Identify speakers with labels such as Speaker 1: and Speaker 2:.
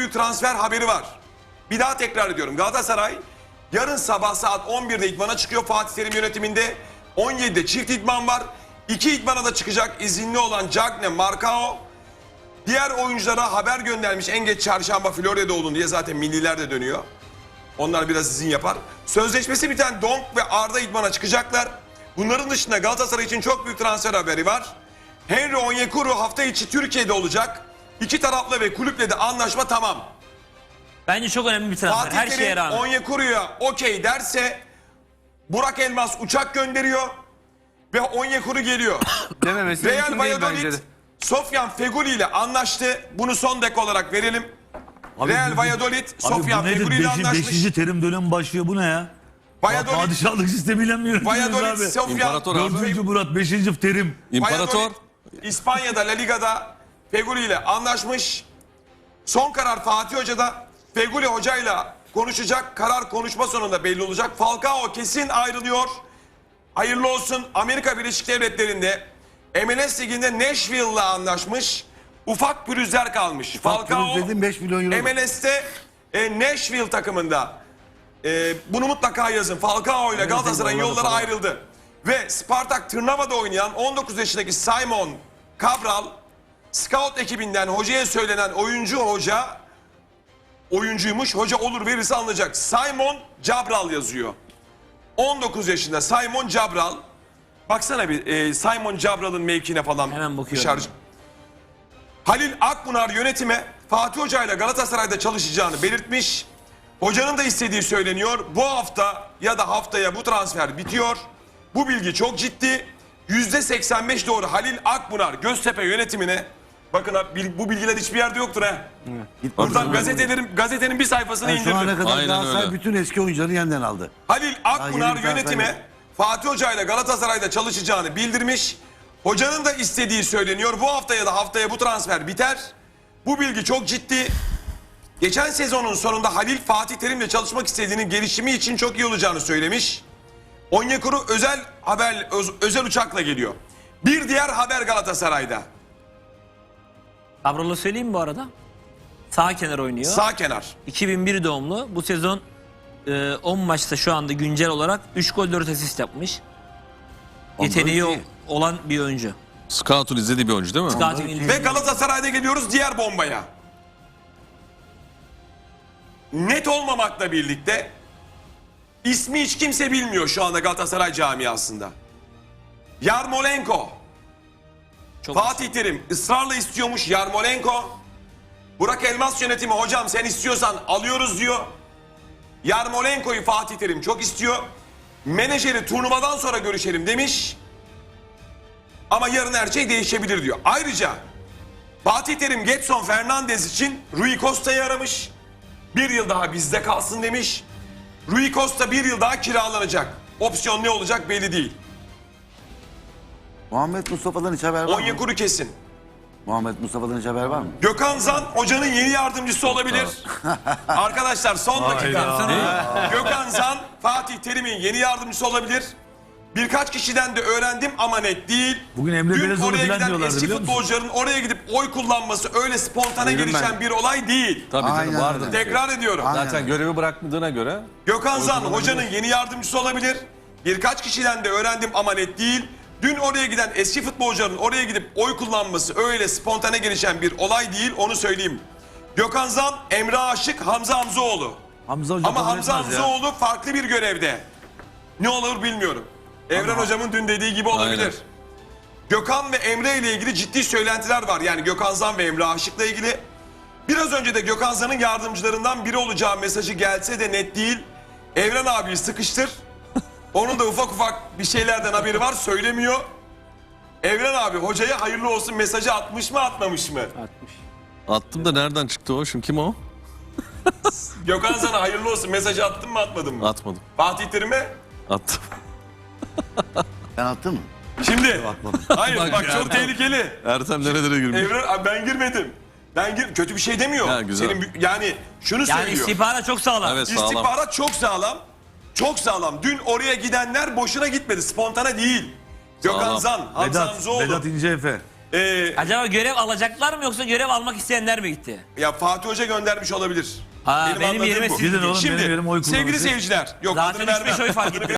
Speaker 1: büyük transfer haberi var. Bir daha tekrar ediyorum. Galatasaray yarın sabah saat 11'de idmana çıkıyor Fatih Terim yönetiminde. 17'de çift idman var. 2 idmana da çıkacak izinli olan Cagne, Marcao. Diğer oyunculara haber göndermiş en geç çarşamba Florya'da olun diye, zaten milliler de dönüyor. Onlar biraz izin yapar. Sözleşmesi biten Donk ve Arda idmana çıkacaklar. Bunların dışında Galatasaray için çok büyük transfer haberi var. Henry Onyekuru hafta içi Türkiye'de olacak. İki tarafla ve kulüple de anlaşma tamam.
Speaker 2: Bence çok önemli bir transfer.
Speaker 1: Fatih
Speaker 2: Her şeye
Speaker 1: Terim
Speaker 2: rağmen.
Speaker 1: Onyekuru'ya okey derse Burak Elmas uçak gönderiyor ve Onyekuru geliyor.
Speaker 3: Dememesi
Speaker 1: Real
Speaker 3: mümkün değil bence
Speaker 1: Valladolid
Speaker 3: de.
Speaker 1: Sofyan Feguli ile anlaştı. Bunu son dek olarak verelim.
Speaker 4: Abi
Speaker 1: Real
Speaker 4: bu-
Speaker 1: Valladolid
Speaker 4: Abi
Speaker 1: Sofyan
Speaker 4: bu nedir?
Speaker 1: Feguli ile anlaşmış.
Speaker 4: 5. terim dönemi başlıyor, bu ne ya?
Speaker 1: Valladolid,
Speaker 4: Padişahlık sistemiyle mi yönetiyoruz
Speaker 1: Valladolid
Speaker 4: abi?
Speaker 1: Sofyan
Speaker 5: İmparator abi.
Speaker 4: 4. Murat 5. terim.
Speaker 5: İmparator.
Speaker 1: Valladolid, İspanya'da La Liga'da Feguli ile anlaşmış. Son karar Fatih Hoca'da. Feguli hocayla konuşacak. Karar konuşma sonunda belli olacak. Falcao kesin ayrılıyor. Hayırlı olsun. Amerika Birleşik Devletleri'nde MLS Ligi'nde Nashville'la anlaşmış. Ufak pürüzler kalmış. Falcao
Speaker 6: Dedim 5 milyon euro.
Speaker 1: MLS'te Nashville takımında. Bunu mutlaka yazın. Falcao ile Galatasaray'ın yolları ayrıldı. Ve Spartak Trnava'da oynayan 19 yaşındaki Simon Cabral, scout ekibinden hocaya söylenen oyuncuymuş. Hoca olur verirse alınacak. Simon Cabral yazıyor. 19 yaşında Simon Cabral. Baksana bir Simon Cabral'ın mevkine falan.
Speaker 2: Hemen bakıyorum.
Speaker 1: Halil Akbunar yönetime Fatih Hoca ile Galatasaray'da çalışacağını belirtmiş. Hocanın da istediği söyleniyor. Bu hafta ya da haftaya bu transfer bitiyor. Bu bilgi çok ciddi. %85 doğru Halil Akbunar Göztepe yönetimine. Bakın abi, bu bilgiler hiçbir yerde yoktur ha. Buradan gazetenin bir sayfasını
Speaker 6: Yani şu ana
Speaker 1: indirdim.
Speaker 6: kadar
Speaker 5: Aynen
Speaker 6: Galatasaray
Speaker 5: öyle.
Speaker 6: bütün eski oyuncuları yeniden aldı.
Speaker 1: Halil Akbunar
Speaker 6: yeni bir
Speaker 1: yönetime
Speaker 6: transfer
Speaker 1: Fatih Hoca ile Galatasaray'da çalışacağını bildirmiş. Hocanın da istediği söyleniyor. Bu hafta ya da haftaya bu transfer biter. Bu bilgi çok ciddi. Geçen sezonun sonunda Halil Fatih Terim'le çalışmak istediğinin gelişimi için çok iyi olacağını söylemiş. Onyekuru özel uçakla geliyor. Bir diğer haber Galatasaray'da.
Speaker 2: Cabral'ı söyleyeyim mi bu arada? Sağ kenar oynuyor.
Speaker 1: Sağ kenar.
Speaker 2: 2001 doğumlu. Bu sezon 10 maçta şu anda güncel olarak 3 gol 4 asist yapmış. Yeteneği
Speaker 6: iyi.
Speaker 2: olan bir oyuncu.
Speaker 5: Scout'un izlediği bir oyuncu değil mi?
Speaker 2: Scouting
Speaker 1: Ve Galatasaray'da geliyoruz diğer bombaya. Net olmamakla birlikte ismi hiç kimse bilmiyor şu anda Galatasaray camiasında. Yarmolenko.
Speaker 2: çok
Speaker 1: Fatih Terim ısrarla istiyormuş Yarmolenko. Burak Elmas yönetimi hocam sen istiyorsan alıyoruz diyor. Yarmolenko'yu Fatih Terim çok istiyor. Menajeri turnuvadan sonra görüşelim demiş. Ama yarın her şey değişebilir diyor. Ayrıca Fatih Terim Gedson Fernandez için Rui Costa'yı aramış. Bir yıl daha bizde kalsın demiş. Rui Costa bir yıl daha kiralanacak. Opsiyon ne olacak belli değil.
Speaker 6: Muhammed Mustafa'dan hiç haber var mı?
Speaker 1: Onyekuru kesin.
Speaker 6: Muhammed Mustafa'dan hiç haber var mı?
Speaker 1: Gökhan Zan hocanın yeni yardımcısı olabilir. Arkadaşlar son dakika. Gökhan Zan Fatih Terim'in yeni yardımcısı olabilir. Birkaç kişiden de öğrendim ama net değil.
Speaker 4: Bugün Emre
Speaker 1: Dün
Speaker 4: Belezoğlu
Speaker 1: oraya
Speaker 4: falan
Speaker 1: giden
Speaker 4: diyorlardı,
Speaker 1: eski
Speaker 4: biliyor musun?
Speaker 1: futbolcuların oraya gidip oy kullanması öyle spontane
Speaker 6: Duydum
Speaker 1: gelişen
Speaker 6: ben.
Speaker 1: bir olay değil.
Speaker 5: Tabii canım
Speaker 6: Aynen
Speaker 5: vardı.
Speaker 6: öyle.
Speaker 1: Tekrar ediyorum.
Speaker 6: Aynen.
Speaker 3: Zaten görevi bırakmadığına göre
Speaker 1: Gökhan Zan hocanın yeni yardımcısı olabilir. Birkaç kişiden de öğrendim ama net değil. Dün oraya giden eski futbolcuların oraya gidip oy kullanması öyle spontane gelişen bir olay değil, onu söyleyeyim. Gökhan Zan, Emre Aşık, Hamza Hamzoğlu.
Speaker 4: Hamza Hoca
Speaker 1: Ama
Speaker 4: kabul
Speaker 1: Hamza
Speaker 4: etmez ya.
Speaker 1: Hamzoğlu farklı bir görevde. Ne olur bilmiyorum. Evren hocamın dün dediği gibi olabilir.
Speaker 5: Aynen.
Speaker 1: Gökhan ve Emre ile ilgili ciddi söylentiler var. Yani Gökhan Zan ve Emre Aşık'la ilgili. Biraz önce de Gökhan Zan'ın yardımcılarından biri olacağı mesajı gelse de net değil. Evren abiyi sıkıştır. Onun da ufak ufak bir şeylerden haberi var, söylemiyor. Evren abi hocaya hayırlı olsun mesajı atmış mı atmamış mı?
Speaker 5: Attım da nereden çıktı o? Şimdi kim o?
Speaker 1: Gökhan Zan'a hayırlı olsun mesajı attın mı atmadın mı?
Speaker 5: Atmadım.
Speaker 1: Fatih Terim'e?
Speaker 5: Attım.
Speaker 6: Sen attın mı?
Speaker 1: Şimdi. Hayır
Speaker 5: Bak
Speaker 1: bak
Speaker 5: ya.
Speaker 1: çok tehlikeli.
Speaker 5: Ertem nerelere girmiş?
Speaker 1: Evren abi ben girmedim. Kötü bir şey demiyor.
Speaker 5: Ha, güzel.
Speaker 1: Yani şunu
Speaker 2: Yani
Speaker 1: söylüyor.
Speaker 2: istihbarat çok sağlam.
Speaker 5: Evet sağlam.
Speaker 1: İstihbarat çok sağlam. Çok sağlam. Dün oraya gidenler boşuna gitmedi. Spontane değil. Gökhan
Speaker 5: Sağlam.
Speaker 1: Zan, Hamza
Speaker 4: Vedat
Speaker 1: Hamzoğlu.
Speaker 4: İnce Efe.
Speaker 2: Acaba görev alacaklar mı yoksa görev almak isteyenler mi gitti?
Speaker 1: Ya Fatih Hoca göndermiş olabilir.
Speaker 2: Ha, benim
Speaker 1: anladığım
Speaker 2: yerime
Speaker 1: bu.
Speaker 2: siz
Speaker 4: Gidin oğlum,
Speaker 1: Şimdi
Speaker 4: benim yerime oy
Speaker 1: sevgili
Speaker 4: kullanın.
Speaker 1: seyirciler. Yok
Speaker 2: Zaten
Speaker 1: adını vermem.
Speaker 2: 3-5 oy fark etti.